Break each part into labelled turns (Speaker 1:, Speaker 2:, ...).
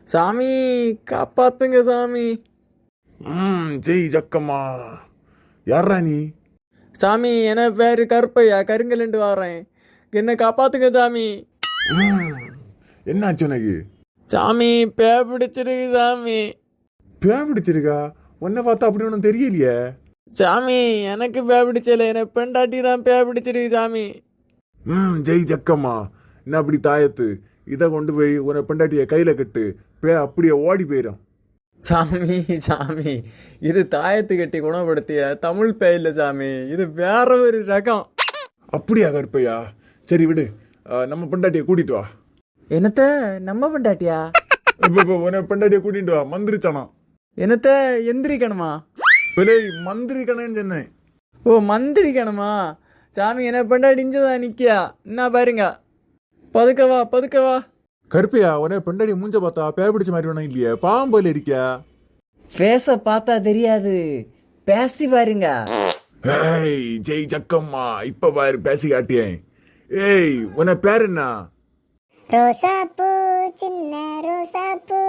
Speaker 1: சாமி காப்பாத்துங்க சாமி.
Speaker 2: ஜெய் ஜக்கம்மா. யாரா நீ?
Speaker 1: சாமி என பேரு கருப்பையா, கருங்கலண்டு வாரேன். என்ன காப்பாத்துங்க சாமி.
Speaker 2: என்னாச்சு உனக்கு?
Speaker 1: சாமி பே பிடிச்சிருக்கு சாமி.
Speaker 2: பே பிடிச்சிருக்கா? உன்னை பார்த்தா அப்படி ஒன்றும் தெரியலையே.
Speaker 1: சாமி எனக்கு பே பிடிச்சல, எனக்கு பெண்டாட்டி தான் பே பிடிச்சிருக்கு சாமி.
Speaker 2: ஜெய் ஜக்கம்மா. என்ன அப்படி தாயத்து? இதை கொண்டு போய் உன்னை பெண்டாட்டிய கையில கட்டு, பே அப்படியே ஓடி போயிடும்.
Speaker 1: சாமி சாமி இது தாயத்து கட்டி குணப்படுத்திய தமிழ் பே இல்லை சாமி, இது வேற ஒரு ரகம்.
Speaker 2: அப்படியா கருப்பையா? சரி விடு, நம்ம பெண்டாட்டிய கூட்டிட்டு வா.
Speaker 1: என்னத்த நம்ம பெண்டாட்டியா?
Speaker 2: உன்னை பெண்டாட்டிய கூட்டிட்டு வா, மந்திரிச்சானா.
Speaker 1: என்னத்த எந்திரிக்கணுமா?
Speaker 2: பிள்ளை மந்திரிக்கணேன்னு சொன்னேன்.
Speaker 1: ஓ மந்திரிக்கணுமா? சாமி என்ன பெண்டாட்டி இஞ்சதான் நிக்கியா, என்ன பாருங்க. பதுக்கவா பதுக்கவா.
Speaker 2: கருப்பையா, உன்னை பெண்டாட்டி மூஞ்ச பார்த்தா பே பிடிச்ச மாதிரி வேணும் இல்லையே, பாம்போல இருக்கியா?
Speaker 1: பேச பார்த்தா தெரியாது, பேசி பாருங்க.
Speaker 2: ஏய் ஜெய் ஜக்கம்மா, இப்ப பாரு பேசி காட்டியேன். ஏய் உன்னை பேர் என்ன?
Speaker 3: ரோசாப்பூ சின்ன ரோசாப்பூ,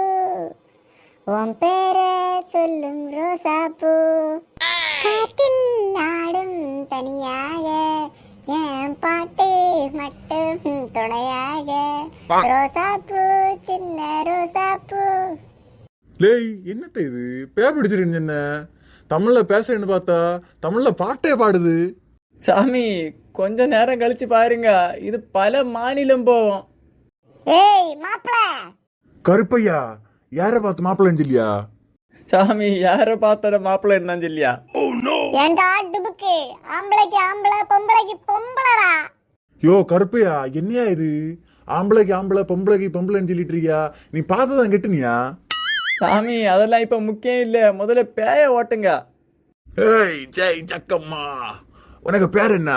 Speaker 3: உன் பேரை சொல்லும் ரோசாப்பூ, காற்றில் ஆடும் தனியாக என் பாட்டு மட்டும் துணையாக, ரோசாப்பூ சின்ன ரோசாப்பூ.
Speaker 2: லேய் என்னத்த இது பே பிடிச்சிருன்னு என்ன? தமிழ்ல பேசுறேன்னு பார்த்தா தமிழ்ல பாட்டே பாடுது.
Speaker 1: சாமி கொஞ்ச நேரம் கழிச்சு பாருங்க, இது பல மாநிலம் போவோம்.
Speaker 3: ஏய் மாப்பிள.
Speaker 2: கருப்பையா, யார பார்த்து மாப்பிள்ளன்னு சொல்லியா?
Speaker 1: சாமி யார பார்த்தால மாப்பிள்ள இருந்தான்னு சொல்லியா?
Speaker 3: ஏண்டா டுபுக்கு, ஆம்பளைக்கு ஆம்பளை பொம்பளைக்கு பொம்பளடா.
Speaker 2: யோ கருப்பையா, என்னையா இது? ஆம்பளைக்கு ஆம்பளை பொம்பளைக்கு பொம்பளைன்னு சொல்லிட்டு இருக்கியா? நீ பார்த்ததான் கெட்டுனியா?
Speaker 1: சாமி அதெல்லாம் இப்ப முக்கியம் இல்ல, முதல்ல பேய ஓட்டுங்க.
Speaker 2: ஏய் ஜெய் ஜக்கம்மா, உனக்கு பேர் என்ன?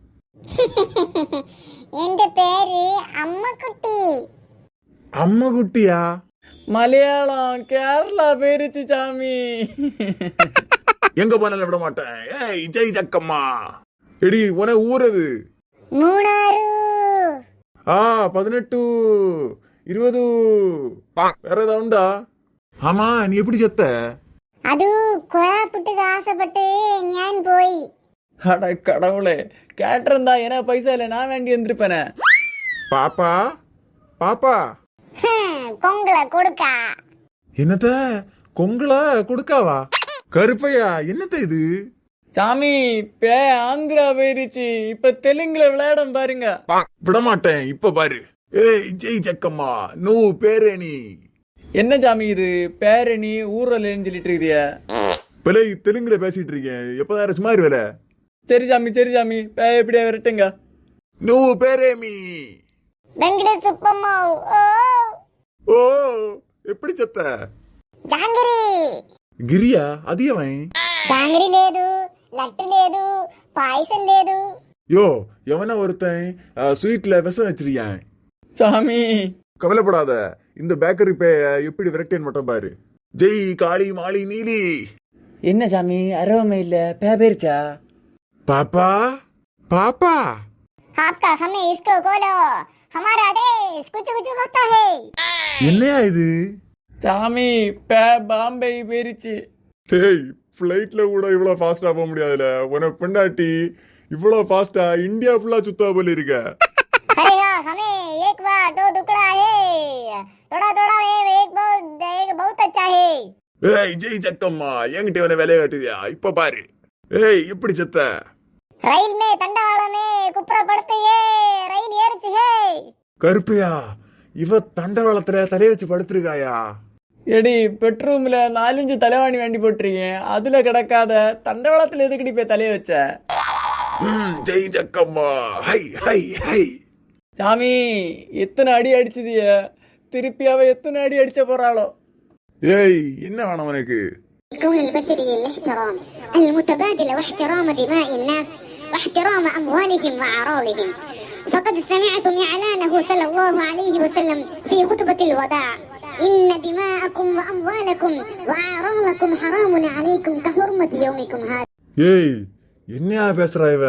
Speaker 3: என் பேரு அம்மக்குட்டி.
Speaker 2: அம்மா குட்டியா?
Speaker 1: மலையாளம் கேரளா போயிருச்சு சாமி.
Speaker 2: எங்க போனாலும் விட மாட்டேன். ஏய் ஜெய் ஜக்கம்மா. எடி உன ஊரது?
Speaker 3: மூணாறு.
Speaker 2: 18 20 வேற ஏதாவது உண்டா? ஆமா, நீ எப்படி செத்த?
Speaker 3: அது கொழா புட்டுக்கு ஆசைப்பட்டு ஞான் போய்.
Speaker 1: அட கடவுளே, கேட்டிருந்தா ஏன்னா பைசா இல்ல, நான் வேண்டி வந்திருப்பேனே.
Speaker 2: பாப்பா பாப்பா.
Speaker 3: கொங்கல கொடுக்கா.
Speaker 2: என்னத்த கொங்கலா கொடுக்காவா? கருப்பையா, என்னத்த இது?
Speaker 1: சாமி பே ஆந்திரா போயிருச்சு, இப்ப தெலுங்குல விளையாடம் பாருங்க.
Speaker 2: விட மாட்டேன், இப்ப பாரு. ஏய் ஜெய் ஜக்கம்மா, நூ பேரணி.
Speaker 1: என்ன சாமி இது பேரணி ஊர்லன்னு சொல்லிட்டு இருக்கிறிய?
Speaker 2: பிள்ளை தெலுங்குல பேசிட்டு இருக்கேன், எப்பதான் சும்மா வேற.
Speaker 1: சரி சாமி சரி சாமி, பே எப்படியா விரட்டுங்க.
Speaker 2: நூ பேரேமி.
Speaker 3: வெங்கட சுப்பம்மா.
Speaker 2: ஓ எப்படி செத்த?
Speaker 3: జాంగిరి.
Speaker 2: గిరియా? అది ఏమై?
Speaker 3: జాంగిరి లేదు, లట్టు లేదు, పాయసం లేదు.
Speaker 2: யோ எவனா ஒருத்தன் ஸ்வீட்ல விஷம் வச்சிருக்கேன்.
Speaker 1: சாமி
Speaker 2: கவலைப்படாத, இந்த பேக்கரி பே எப்படி விரட்டேன்னு மட்டும் பாரு. ஜெய் காளி மாளி நீலி.
Speaker 1: என்ன சாமி அரவமே இல்ல, பே போயிருச்சா?
Speaker 2: பாப்பா பாப்பா.
Speaker 3: आपका हमें इसको खोलो, हमारा देश कुछ कुछ होता है.
Speaker 2: என்னையா இது?
Speaker 1: சாமி பே பாம்பே போயிருச்சு.
Speaker 2: டேய், ஃப்ளைட்ல கூட இவ்வளவு ஃபாஸ்டா போக முடியாதுல. உனக்கு பெண்டாட்டி இவ்வளவு ஃபாஸ்டா இந்தியா ஃபுல்லா சுத்தா போல இருக்க.
Speaker 3: करेगा हमें एक बार दो टुकड़ा है, थोड़ा थोड़ा एक बहुत अच्छा है.
Speaker 2: ஏய் ஜெய் ஜக்கம்மா, என்கிட்ட உன வேலையை காட்டுதியா? இப்ப பாரு. ஏய் எப்படி செத்த?
Speaker 3: रैल में तंडावाड़ा में कुपरा पड़ते है, रैल ஏறுச்சு है.
Speaker 2: கருப்பையா, இவ தண்டவாளத்துல தலைய வச்சு படுத்திருக்காயா?
Speaker 1: எடி பெட்ரூம்ல 4-5 தலைவாணி வேண்டி போட்டிருக்கேன், அதுல கிடக்காத தண்டவாளத்துல எதுக்கடி போய் தலைய வச்ச?
Speaker 2: ஜெய் ஜக்கம்மா. ஹை ஹை ஹை.
Speaker 1: சாமி எத்தனை அடி அடிச்சதிய, திருப்பி அவ எத்தனை அடி அடிச்ச போறாளோ?
Speaker 2: ஏய் என்ன வேணும் உனக்கு?
Speaker 3: الكون البشري الاحترام المتبادل واحترام دماء الناس واحترام أموالهم وأعراضهم. فقد سمعتم إعلانه صلى الله عليه وسلم في خطبة الوداع: إن دماءكم وأموالكم وأعراضكم حرام عليكم كحرمة يومكم هذا.
Speaker 2: ஏய் என்னையா பேசுறா இவ?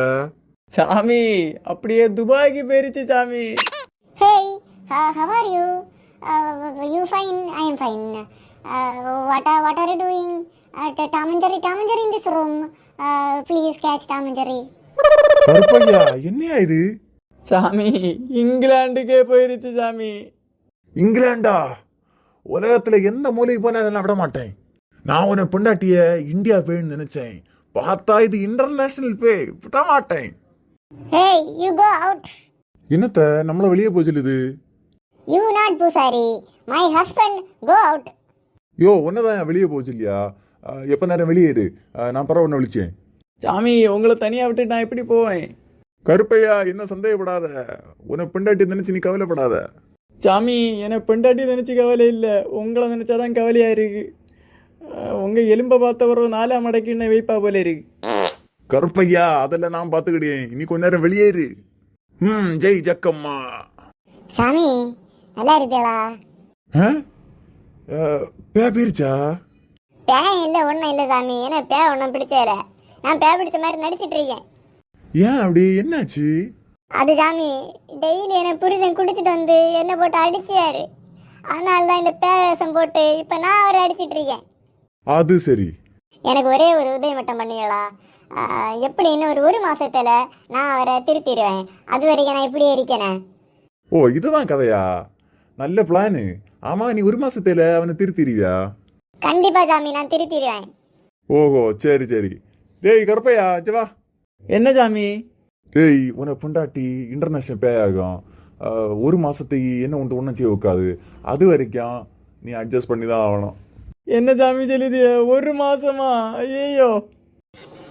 Speaker 1: சாமி அப்படியே துபாய்க்கு போயிருச்சு சாமி.
Speaker 3: Hey, how are you? You fine? I am fine. What are you doing? Tom and Jerry in this room. Please catch Tom and Jerry.
Speaker 2: Karuppaiya என்னையா இது?
Speaker 1: சாமி இங்கிலாந்துக்கே போயிருச்சு சாமி.
Speaker 2: இங்கிலாண்டா? உலகத்துல எந்த மூலைக்கு போனா நான் விட மாட்டேன். நான் உன்னை பொண்டாட்டிய இந்தியா பேன்னு நினைச்சேன். பார்த்தா இது இன்டர்நேஷனல் பே. விட மாட்டேன்.
Speaker 3: Hey, you go out.
Speaker 2: என்னத்த நம்மள வெளியே போய் சொல்லுது?
Speaker 3: You not Pusari. My husband, go out.
Speaker 2: யோ உன்னதான் வெளியே போச்சு இல்லையா? எப்ப நேரம் வெளியே இரு. நான் பரவ ஒன்று விழிச்சேன்.
Speaker 1: சாமி உங்களை தனியா விட்டு நான் எப்படி போவேன்?
Speaker 2: கருப்பையா என்ன சந்தேகப்படாத. உன்னை பொண்டாட்டி நினைச்சு நீ கவலைப்படாத.
Speaker 1: சாமி என்னை பெண்டாட்டி நினைச்சு கவலை இல்லை, உங்களை நினைச்சாதான் கவலையா இருக்கு. உங்க எலும்பை பார்த்தவரோ 4ஆம் மடக்கின்னு வைப்பா போல இருக்கு.
Speaker 2: கருப்பையா அதெல்லாம் நான் பாத்துக்கிட்டேன். இனி கொஞ்ச நேரம் வெளியேறு. ஜெய் ஜக்கம்மா.
Speaker 3: சாமி நல்லா இருக்கீங்களா?
Speaker 2: பேரிச்சா?
Speaker 3: பேன் இல்லை ஒன்றும் இல்லை சாமி. ஏன்னா பே ஒன்றும் பிடிச்சதில்ல. நான் பே பிடிச்ச மாதிரி நடிச்சிட்டு இருக்கேன்.
Speaker 2: ஏன் அப்படி என்னாச்சு?
Speaker 3: அது சாமி டெய்லி என்னை புருஷன் குடிச்சிட்டு வந்து என்னை போட்டு அடிச்சியாரு. அதனால தான் இந்த பே வேஷம் போட்டு இப்போ நான் அவரை அடிச்சிட்டு இருக்கேன்.
Speaker 2: அது சரி.
Speaker 3: எனக்கு ஒரே ஒரு உதவி மட்டும் பண்ணீங்களா? எப்படி இன்னும் ஒரு மாசத்துல நான் அவரை திருத்திடுவேன். அது வரைக்கும் நான் இப்படியே இருக்கேனே.
Speaker 2: ஓ இதுதான் கதையா? நல்ல பிளானு. ஆமா நீ 1 மாசத்துல அவனை திருத்திடுவியா?
Speaker 3: கண்டிப்பா சாமி நான் திருத்திடுவேன்.
Speaker 2: ஓஹோ சரி சரி. டேய் கருப்பையா வா.
Speaker 1: என்ன சாமி?
Speaker 2: டேய் உன்னை பொண்டாட்டி இன்டர்நேஷனல் பே ஆகும். 1 மாசத்துக்கு என்ன ஒன்று ஒன்றும் செய்ய வைக்காது. அது வரைக்கும் நீ அட்ஜஸ்ட் பண்ணி தான் ஆகணும்.
Speaker 1: என்ன சாமி சொல்லுது? 1 மாசமா? ஐயோ